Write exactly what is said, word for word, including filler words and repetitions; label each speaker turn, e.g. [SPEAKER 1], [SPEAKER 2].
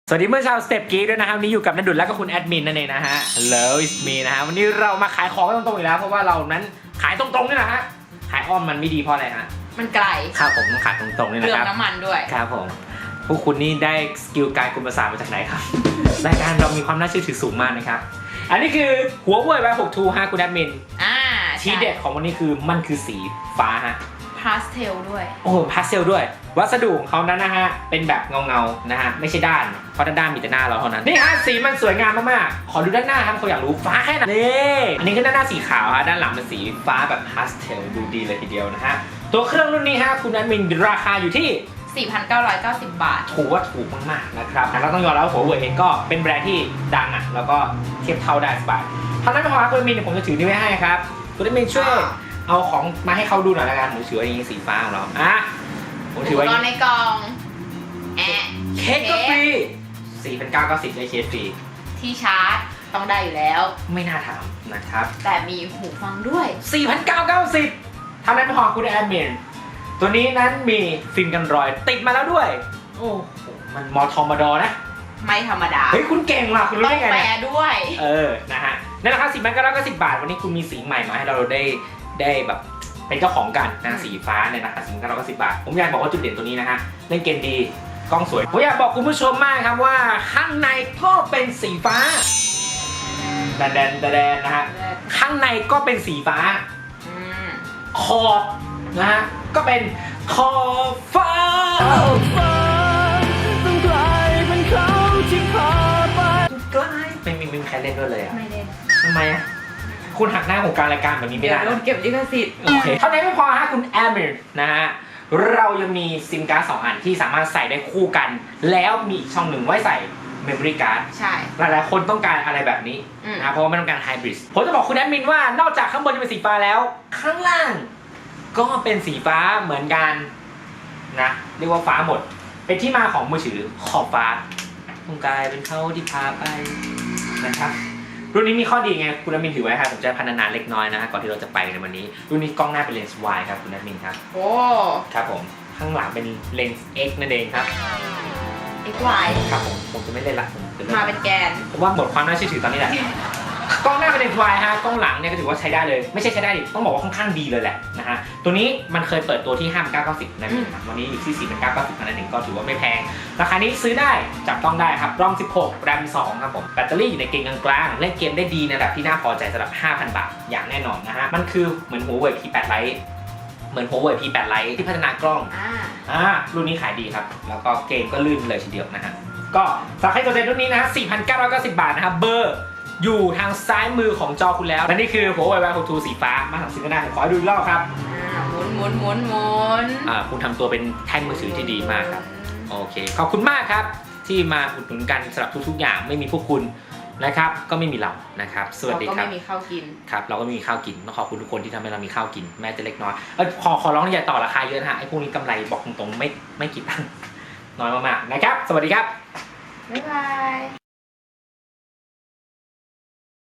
[SPEAKER 1] สวัสดีเมื่อชาวสเต็ปกีด้วยนะครับนี่อยู่กับนันดุลและก็คุณแอดมินนั่นเองนะฮะ Hello it's me นะฮะวันนี้เรามาขายของตรงๆอีกแล้วเพราะว่าเรานั้นขายตรงๆนี่แหละฮะขายอ้อมมันไม่ดีเพราะอะไรฮะ
[SPEAKER 2] มันไกล
[SPEAKER 1] ครับผมต้องขายตรงๆนี่นะครับ
[SPEAKER 2] เรื่องน้ำมันด้วย
[SPEAKER 1] ครับผมพวกคุณนี่ได้สกิลการกุมภาษามาจากไหนครับ รายการเรามีความน่าเชื่อถือสูงมากนะครับอันนี้คือหัวเว่ย วาย หก ทู ฮะคุณแอดมิน
[SPEAKER 2] อ่า
[SPEAKER 1] ทีเด็ดของวันนี้คือมันคือสีฟ้าฮะ
[SPEAKER 2] พาสเทลด้วย
[SPEAKER 1] โอ้พาสเทลด้วยวัสดุของเขานั้นนะฮะเป็นแบบเงาเงาๆนะฮะไม่ใช่ด้านเพราะด้านมีแต่หน้าเราเท่านั้นนี่ฮะสีมันสวยงามมากๆขอดูด้านหน้าครับเขาอยากรู้ฟ้าแค่ไหนนี่อันนี้คือด้านหน้าสีขาวฮะด้านหลังเป็นสีฟ้าแบบพาสเทลดูดีเลยทีเดียวนะฮะตัวเครื่องรุ่นนี้ฮะคุณแอดมินราคาอยู่ที่
[SPEAKER 2] สี่พันเก้าร้อยเก้าสิบ บาท
[SPEAKER 1] ถือว่าถูกมากๆนะครับเราต้องยอมรับว่าหัวเว่ยเองก็เป็นแบรนด์ที่ดังอ่ะแล้วก็เทียบเท่าได้สบายเท่านั้นไม่พอครับคุณแอดมินผมจะถือนี่ไว้ให้ครับคุณแอดมินช่วยเอาของมาให้เขาดูหน่อยละกันผมถือไว้อย่างนี้สีฟ้าของเราอ่ะผมถือไว้
[SPEAKER 2] อุปกรณ์ในกล่องแอะ
[SPEAKER 1] เคสก็ฟรี สี่พันเก้าร้อยเก้าสิบ ได้เคสฟรี
[SPEAKER 2] ที่ชาร์จต้องได้อยู่แล้ว
[SPEAKER 1] ไม่น่าถามนะครับ
[SPEAKER 2] แต่มีหูฟังด้วย
[SPEAKER 1] สี่พันเก้าร้อยเก้าสิบ เท่านั้นไม่พอคุณแอดมินตัวนี้นั้นมีฟิล์มกันรอยติดมาแล้วด้วยโอ้โหมันมอทอมดอนะ
[SPEAKER 2] ไม่ธรรมดา
[SPEAKER 1] เฮ้ยคุณเก่งว่ะคุณรู้ได้ไง
[SPEAKER 2] ต้องแปลด้วย
[SPEAKER 1] เออนะฮะในราคา สี่พันเก้าร้อยเก้าสิบ บาทวันนี้คุณมีสีใหม่มาให้เราได้ได้แบบเป็นเจ้าของกันนะสีฟ้าเนี่ยนะคะ สี่พันเก้าร้อยเก้าสิบ บาทผมอยากบอกว่าจุดเด่นตัวนี้นะฮะเล่นเกมดีกล้องสวยผมอยากบอกคุณผู้ชมมากครับว่าข้างในก็เป็นสีฟ้าแดนแดนแดนนะฮะข้างในก็เป็นสีฟ้าขอบนะฮะก็เป็นขอบฟ้าต้องกลายเป็นเขาที่พาไปกลายไม่มีไม่มีใครเล่นด้วยเลยอ่ะ
[SPEAKER 2] ไม่เล่น
[SPEAKER 1] ทำไมอ่ะคุณหักหน้าของการรายการแบบนี้ไม่ได้
[SPEAKER 2] โดนเก็บลิขสิทธิ์
[SPEAKER 1] โอเคเท่านั้นไม่พอฮะคุณแอมเมอร์นะฮะเรายังมีซิมการ์ดสองอันที่สามารถใส่ได้คู่กันแล้วมีอีกช่องหนึ่งไว้ใส่เมมโมรี่การ์ด
[SPEAKER 2] ใช่
[SPEAKER 1] หลายๆคนต้องการอะไรแบบนี้นะเพราะว่าไม่ต้องการไฮบริดผมจะบอกคุณแอดมินว่านอกจากข้างบนจะเป็นสีฟ้าแล้วข้างล่างก็เป็นสีฟ้าเหมือนกันนะเรียกว่าฟ้าหมดเป็นที่มาของมือถือขอบฟ้าต้องกลายเป็นเขาที่พาไปนะครับรุ่นนี้มีข้อดีไงคุณแอดมินถือไว้ครับผมจะพัฒนาเล็กน้อยนะก่อนที่เราจะไปในวันนี้รุ่นนี้กล้องหน้าเป็นเลนส์ Y ครับคุณแอดมินครับ
[SPEAKER 2] โอ้
[SPEAKER 1] ครับผมข้างหลังเป็นเลนส์ X นั่นเองครับ
[SPEAKER 2] เอ็กซ์ วาย
[SPEAKER 1] ครับผมผมจะไม่เล่นละ
[SPEAKER 2] มาเป็นแกน
[SPEAKER 1] ผมว่าหมดความน่าเชื่อถือตอนนี้แหละกล้องหน้าเป็นเลนส์ Y ฮะกล้องหลังเนี่ยก็ถือว่าใช้ได้เลยไม่ใช่ใช้ได้ดิต้องบอกว่าค่อนข้างดีเลยแหละนะฮะตัวนี้มันเคยเปิดตัวที่ ห้าพันเก้าร้อยเก้าสิบ นะวันนี้อยู่ที่ สี่พันเก้าร้อยเก้าสิบ นั่นเองก็ถือว่าไม่แพงราคานี้ซื้อได้จับต้องได้ครับรอมสิบหกแรมสองครับผมแบตเตอรี่อยู่ในเกณฑ์กลางๆเล่นเกมได้ดีในระดับที่น่าพอใจสำหรับ ห้าพัน บาทอย่างแน่นอนนะฮะมันคือเหมือน Huawei พี แปด Lite เหมือน Huawei พี แปด Lite ที่พัฒนากล้องอ่ารุ่นนี้ขายดีครับแล้วก็เกมก็ลื่นเลยทีเดียวนะฮะก็สำหรับใครสนใจรุ่นนี้นะ สี่พันเก้าร้อยเก้าสิบ บาทนะครับเบอร์อยู่ทางซ้ายมือของจอคุณแล้วและนี่คือ Huawei วาย หก ทู สีฟ้ามาสั่งซื้อกันได้ผมขอให้ดูอีกรอบครับ
[SPEAKER 2] หมุนหมุนหมุนหมุน
[SPEAKER 1] อ่าคุณทำตัวเป็นแท่นมือถือที่ดีมากครับโอเคขอบคุณมากครับที่มาอุดหนุนกันสำหรับทุกๆอย่างไม่มีพวกคุณนะครับก็ไม่มีเรานะครับสวัสดีครับ
[SPEAKER 2] เราก็ไม่มีข้าวกิน
[SPEAKER 1] ครับเราก็ไม่มีข้าวกินต้องขอบคุณทุกคนที่ทำให้เรามีข้าวกินแม้จะเล็กน้อยเออขอขอร้องอย่าต่อราคาเยอะนะฮะไอ้พวกนี้กำไรบอกตรงๆไม่ไม่กี่ตังค์น้อยมากๆนะครับสวัสดีครับ
[SPEAKER 2] บ๊ายบาย